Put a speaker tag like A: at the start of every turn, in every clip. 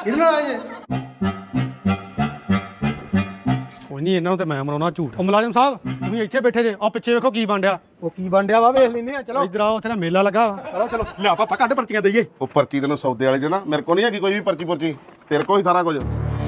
A: ਇਹਦੇ ਨਾਲ ਆਏ ਜੇ ਕੋਈ ਨਹੀਂ, ਇਹਨਾਂ ਨੂੰ ਤੇ ਮੈਂ ਮਰਾਉਣਾ ਝੂਠ। ਉਹ ਮੁਲਾਜ਼ਮ ਸਾਹਿਬ ਤੁਸੀਂ ਇੱਥੇ ਬੈਠੇ ਜੇ, ਆ ਪਿੱਛੇ ਵੇਖੋ ਕੀ ਬਣ ਡਿਆ।
B: ਉਹ ਕੀ ਬਣ ਡਿਆ ਵਾ, ਵੇਖ ਲੈਨੇ ਆ। ਚਲੋ
A: ਇੱਧਰ ਆਓ, ਉੱਥੇ ਨਾ ਮੇਲਾ ਲੱਗਾ ਵਾ।
B: ਚਲੋ ਚਲੋ ਲਿਆ ਪਾਪਾ ਕੱਢ ਪਰਚੀਆਂ ਦਈਏ।
C: ਉਹ ਪਰਚੀ ਤੈਨੂੰ ਸੌਦੇ ਵਾਲੇ ਦੇ ਨਾ, ਮੇਰੇ ਕੋਲ ਨਹੀਂ ਹੈਗੀ ਕੋਈ ਵੀ ਪਰਚੀ ਪੁਰਚੀ, ਤੇਰੇ ਕੋਲ ਹੀ ਸਾਰਾ ਕੁਝ।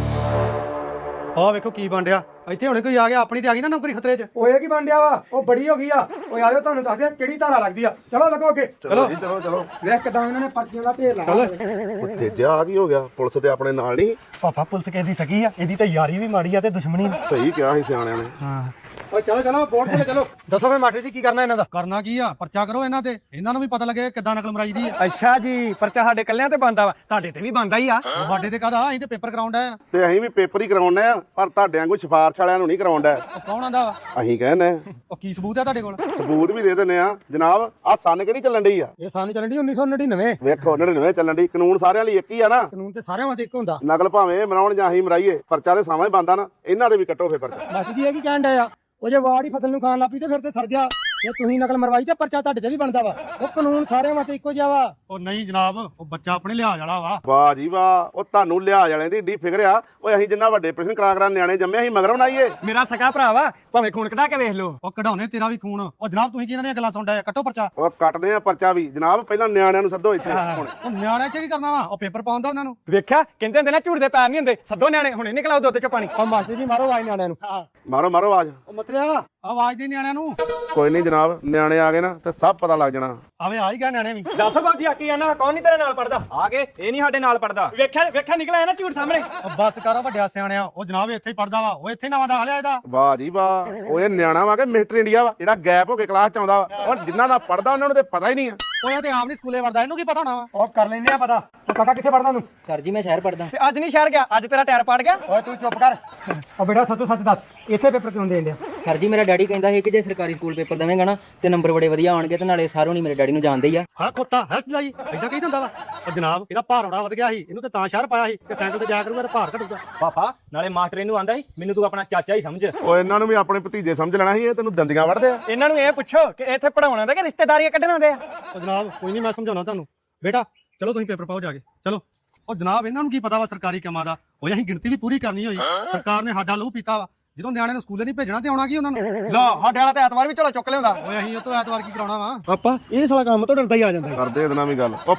A: ਆਹ ਵੇਖੋ ਕੀ ਬਣ ਡਿਆ। ਇੱਥੇ ਹੁਣੇ ਕੋਈ ਆ ਗਿਆ, ਆਪਣੀ ਤੇ ਆ ਗਈ ਨਾ ਨੌਕਰੀ ਖਤਰੇ 'ਚ।
B: ਉਹ ਇਹ ਕੀ ਬਣ ਡਿਆ ਵਾ, ਉਹ ਬੜੀ ਹੋ ਗਈ ਆ। ਓਏ ਆਜੋ ਤੁਹਾਨੂੰ ਦੱਸਦੇ ਆ ਕਿਹੜੀ ਧਾਰਾ ਲੱਗਦੀ ਆ। ਚਲੋ ਲੱਗੋ ਅੱਗੇ।
C: ਚਲੋ ਜੀ ਚਲੋ ਚਲੋ।
B: ਵੇਖ ਕਿਦਾਂ ਇਹਨਾਂ ਨੇ ਪਰਚੀਆਂ ਦਾ ਢੇਰ ਲਾਇਆ।
C: ਉਹ ਤੇਜਾ ਆ ਕੀ ਹੋ ਗਿਆ, ਪੁਲਿਸ ਤੇ ਆਪਣੇ ਨਾਲ ਨਹੀਂ।
B: ਪਾਪਾ ਪੁਲਿਸ ਕਿਸ ਦੀ ਸਕੀ ਆ, ਇਹਦੀ ਤਾਂ ਯਾਰੀ ਵੀ ਮਾੜੀ ਆ ਤੇ ਦੁਸ਼ਮਣੀ ਵੀ।
C: ਸਹੀ ਕਿਹਾ ਸੀ ਸਿਆਣਿਆਂ ਨੇ।
B: ਹਾਂ ਓਏ ਚਲੋ ਚਲੋ ਬੋਰਡ ਤੇ ਚਲੋ। ਦੱਸੋ ਫੇ ਮਾਸਟਰ ਜੀ ਕੀ ਕਰਨਾ ਇਹਨਾਂ ਦਾ?
A: ਕਰਨਾ ਕੀ ਆ, ਪਰਚਾ ਕਰੋ ਇਹਨਾਂ ਤੇ, ਇਹਨਾਂ ਨੂੰ ਵੀ ਪਤਾ ਲੱਗੇ ਕਿੱਦਾਂ ਨਕਲ ਮਰਾਈ ਦੀ ਆ।
B: ਅੱਛਾ ਜੀ, ਪਰਚਾ ਸਾਡੇ ਕੱਲਿਆਂ ਤੇ ਬੰਦਾ ਵਾ, ਤੁਹਾਡੇ ਤੇ ਵੀ ਬੰਦਾ ਹੀ ਆ।
A: ਸਾਡੇ ਤੇ ਕਾਹਦਾ, ਅਸੀਂ ਤੇ ਪੇਪਰ ਕਰਾਉਂਦਾ ਆ।
C: ਤੇ ਅਸੀਂ ਵੀ ਪੇਪਰ ਹੀ ਕਰਾਉਣੇ ਆ, ਪਰ ਤੁਹਾਡੇ ਵਾਂਗੂ ਸਿਫਾਰਸ਼ ਵਾਲਿਆਂ ਨੂੰ ਨਹੀਂ ਕਰਾਉਂਦਾ।
A: ਉਹ ਕੌਣ ਆਂਦਾ ਵਾ?
C: ਅਸੀਂ ਕਹਿੰਦੇ
A: ਉਹ ਕੀ ਸਬੂਤ ਆ ਤੁਹਾਡੇ ਕੋਲ?
C: ਸਬੂਤ ਵੀ ਦੇ ਦਿੰਦੇ ਆ ਜਨਾਬ। ਆ ਸੰਨ ਕਿਹੜੀ ਚੱਲਣ ਡਈ ਆ?
B: ਇਹ ਸਾਨੂੰ ਚੱਲਣ ਦੀ 1999।
C: ਵੇਖੋ 99 ਚੱਲਣ ਡਈ। ਕਾਨੂੰਨ ਸਾਰਿਆਂ ਲਈ ਇੱਕ ਹੀ ਆ ਨਾ।
B: ਕਾਨੂੰਨ ਤੇ ਸਾਰਿਆਂ ਵਾਸਤੇ ਇੱਕ ਹੁੰਦਾ।
C: ਨਕਲ ਭਾਵੇਂ ਮਰਾਉਣ ਜਾਂ ਅਸੀਂ ਮਰਾਈਏ, ਪਰਚਾ ਤੇ ਸਾਵਾਂ ਹੀ ਬੰਦਾ ਨਾ। ਇਹਨਾਂ ਦੇ ਵੀ ਕੱਟੋ ਫੇ ਪਰਚਾ।
B: ਮਾਸਟਰ ਜੀ ਇਹ ਕੀ ਕਹਿਣ ਡਿਆ ਆ? ਉਹ ਜੇ ਵਾੜ ਹੀ ਫਸਲ ਨੂੰ ਖਾਣ ਲੱਪੀ ਤੇ ਫਿਰ ਤੇ ਸਰ ਗਿਆ। ਜੇ ਤੁਸੀਂ ਨਕਲ ਮਰਵਾਈ ਤੇ ਪਰਚਾ ਤੁਹਾਡੇ ਤੇ ਵੀ ਬਣਦਾ ਵਾ। ਉਹ ਕਾਨੂੰਨ ਸਾਰਿਆਂ ਵਾਸਤੇ ਇੱਕੋ ਜਿਹਾ ਵਾ।
A: ਉਹ ਨਹੀਂ ਜਨਾਬ, ਉਹ ਬੱਚਾ ਆਪਣੇ ਲਿਹਾਜ਼ ਵਾਲਾ ਵਾ।
C: ਵਾਹ ਜੀ ਵਾਹ, ਉਹ ਤੁਹਾਨੂੰ ਲਿਹਾਜ਼ ਵਾਲਿਆਂ ਦੀ ਏਡੀ ਫਿਕਰ ਆ। ਓਏ ਅਸੀਂ ਜਿੰਨਾ ਵੱਡੇ ਪ੍ਰਸ਼ਨ ਕਰਾ ਨਿਆਣੇ ਜੰਮੇ, ਅਸੀਂ ਮਗਰ ਬਣਾਈਏ।
B: ਮੇਰਾ ਸਕਾ ਭਰਾ ਵਾ, ਭਾਵੇਂ ਖੂਨ ਕਢਾ ਕੇ ਵੇਖ ਲਓ।
A: ਉਹ ਕਢਾਉਣੇ ਤੇਰਾ ਵੀ ਖੂਨ। ਉਹ ਜਨਾਬ ਤੁਸੀਂ ਕੀ ਇਹਨਾਂ ਦੀਆਂ ਗੱਲਾਂ ਸੁਣਦਾ ਆ? ਕੱਟੋ ਪਰਚਾ।
C: ਉਹ ਕੱਟਦੇ ਆ ਪਰਚਾ ਵੀ ਜਨਾਬ। ਪਹਿਲਾਂ ਨਿਆਣਿਆਂ ਨੂੰ ਸੱਦੋ ਇੱਥੇ ਹੁਣ।
A: ਉਹ ਨਿਆਣੇ ਚ ਕੀ ਕਰਨਾ ਵਾ? ਉਹ ਪੇਪਰ ਪਾਉਂਦਾ ਉਹਨਾਂ ਨੂੰ।
B: ਵੇਖਿਆ ਕਹਿੰਦੇ ਹੁੰਦੇ ਨਾ ਝੂਠ ਦੇ ਪੈਰ ਨਹੀਂ ਹੁੰਦੇ। ਸੱਦੋ ਨਿਆਣੇ ਹੁਣੇ ਨਿਕਲਾਓ ਦੁੱਧ ਚੋਂ ਪਾਣੀ। ਉਹ ਮਾਸਟਰ ਜੀ ਮਾਰੋ ਆਵਾਜ਼ ਨਿਆਣਿਆਂ ਨੂੰ।
C: ਮਾਰੋ ਮਾਰੋ ਆਵਾਜ਼।
A: ਉਹ ਮਤਰਿਆ ਆਵਾਜ਼ ਦੇ ਨਿਆਣਿਆਂ ਨੂੰ।
C: ਕੋਈ ਨਹੀਂ ਜਨਾਬ, ਨਿਆਣੇ ਆ ਗਏ ਨਾ ਤੇ ਸਭ ਪਤਾ ਲੱਗ ਜਾਣਾ।
A: ਆਵੇ ਆ ਹੀ ਗਿਆ ਨਿਆਣੇ ਵੀ।
B: ਦੱਸ ਬਾਬੂ ਆਕੀ ਆਣਾ ਕੌਣ ਨਹੀਂ ਤੇਰੇ ਨਾਲ ਪੜਦਾ?
D: ਆ ਕੇ ਇਹ ਨਹੀਂ ਸਾਡੇ ਨਾਲ ਪੜਦਾ।
B: ਵੇਖਿਆ ਨਿਕਲਿਆ ਨਾ ਝੂਠ ਸਾਹਮਣੇ।
A: ਉਹ ਬੱਸ ਕਰ ਵੱਡਿਆ ਸਿਆਣਿਆ। ਉਹ ਜਨਾਬ ਇੱਥੇ ਹੀ ਪੜਦਾ ਵਾ। ਉਹ ਇੱਥੇ ਨਵਾਂ ਦਾਖਲਿਆ ਇਹਦਾ।
C: ਵਾਹ ਜੀ ਵਾਹ, ਉਹ ਇਹ ਨਿਆਣਾ ਵਾ ਕਿ ਮਿਸਟਰ ਇੰਡੀਆ ਵਾ ਜਿਹੜਾ ਗੈਪ ਹੋ ਕੇ ਕਲਾਸ ਚ ਆਉਂਦਾ ਵਾ। ਔਰ ਜਿਨ੍ਹਾਂ ਨਾਲ ਪੜਦਾ ਉਹਨਾਂ ਨੂੰ ਤੇ ਪਤਾ ਹੀ ਨਹੀਂ ਆ।
A: ਉਹ ਇਹ ਤੇ ਆਪ ਨਹੀਂ ਸਕੂਲੇ ਵੜਦਾ, ਇਹਨੂੰ ਕੀ ਪਤਾ ਹੋਣਾ ਵਾ?
B: ਉਹ ਕਰ ਲੈਨੇ ਆ ਪਤਾ। ਤੂੰ ਕਾਕਾ ਕਿੱਥੇ ਪੜਦਾ ਤੂੰ?
D: ਸਰ ਜੀ ਮੈਂ ਸ਼ਹਿਰ ਪੜਦਾ।
B: ਤੇ ਅੱਜ ਨਹੀਂ ਸ਼ਹਿਰ ਗਿਆ, ਅੱਜ ਤੇਰਾ ਟਾਇਰ ਪਾੜ ਗਿਆ। ਓਏ ਤੂੰ ਚੁੱਪ ਕਰ। ਉਹ ਬੇਟਾ ਸੱਚੋ ਸੱਚ ਦੱਸ, ਇੱਥੇ ਪੇਪਰ ਕਿਉਂ ਦੇਣ ਡਿਆ?
D: ਸਰ ਜੀ ਮੇਰਾ ਡੈਡੀ ਕਹਿੰਦਾ ਸੀ ਕਿ ਜੇ ਸਰਕਾਰੀ ਸਕੂਲ ਪੇਪਰ ਦੇਵੇਂਗਾ ਨਾ ਤੇ ਨੰਬਰ ਬੜੇ ਵਧੀਆ ਆਉਣਗੇ ਤੇ ਨਾਲੇ ਸਾਰੋਂ ਨਹੀਂ ਮੇਰੇ ਡੈਡੀ ਨੂੰ ਜਾਣਦੇ ਹੀ ਆ।
A: ਹਾਂ ਖੋਤਾ ਹੈ ਸਲਾਈ ਏਦਾਂ ਕਹੀ ਦਿੰਦਾ ਵਾ। ਉਹ ਜਨਾਬ ਇਹਦਾ ਭਾਰ ਬੜਾ ਵਧ ਗਿਆ ਸੀ, ਇਹਨੂੰ ਤੇ ਤਾਂ ਸ਼ਹਿਰ ਪਾਇਆ ਸੀ ਕਿ ਸਾਈਕਲ ਤੇ ਜਾਇਆ ਕਰੂਗਾ ਤੇ ਭਾਰ ਘਟੂਗਾ।
E: ਪਾਪਾ ਨਾਲੇ ਮਾਸਟਰ ਇਹਨੂੰ ਆਂਦਾ ਸੀ ਮੈਨੂੰ ਤੂੰ ਆਪਣਾ ਚਾਚਾ ਹੀ ਸਮਝ।
C: ਉਹ ਇਹਨਾਂ ਨੂੰ ਵੀ ਆਪਣੇ ਭਤੀਜੇ ਸਮਝ ਲੈਣਾ ਸੀ। ਇਹ ਤੈਨੂੰ ਦੰਦੀਆਂ ਵੜਦੇ ਆ।
B: ਇਹਨਾਂ ਨੂੰ ਇਹ ਪੁੱਛੋ ਕਿ ਇੱਥੇ ਪੜਾਉਣਾ ਦਾ ਕਿ ਰਿਸ਼ਤੇਦਾਰੀਆਂ ਕੱਢਣਾ ਦੇ ਆ।
A: ਉਹ ਜਨਾਬ ਕੋਈ ਨਹੀਂ, ਮੈਂ ਸਮਝਾਉਣਾ ਤੁਹਾਨੂੰ। ਬੇਟਾ ਚਲੋ ਤੁਸੀਂ ਪੇਪਰ ਪਾਓ ਜਾ ਕੇ, ਚਲੋ। ਉਹ ਜਨਾਬ ਇਹਨਾਂ ਨੂੰ ਕੀ ਪਤਾ ਵਾ ਸਰਕਾਰੀ ਕੰਮਾਂ ਦਾ? ਉਹ ਅਸੀਂ ਗਿਣਤੀ ਵੀ ਪੂਰੀ ਕਰਨੀ ਹੋਈ। ਸਰਕਾਰ ਨੇ ਸਾਡਾ ਲਹੂ ਪੀਤਾ ਵਾ। ਜਦੋਂ ਨਿਆਣੇ ਨੂੰ ਸਕੂਲੇ ਨਹੀਂ ਭੇਜਣਾ ਤੇ ਆਉਣਾ ਕੀ ਉਹਨਾਂ ਨੂੰ?
B: ਲੋ ਸਾਡੇ ਵਾਲਾ ਤੇ ਐਤਵਾਰ ਵੀ ਝੋਲਾ ਚੁੱਕ ਲਿਆਉਂਦਾ।
A: ਓਏ ਅਸੀਂ ਉਹ ਤੋਂ ਐਤਵਾਰ ਕੀ ਕਰਾਉਣਾ ਵਾ?
B: ਪਾਪਾ ਇਹ ਸਾਲਾ ਕੰਮ ਤੋਂ ਡਰਦਾ ਹੀ ਆ ਜਾਂਦਾ।
C: ਕਰਦੇ ਇਹਦੇ ਨਾਲ ਵੀ ਗੱਲ। ਉਹ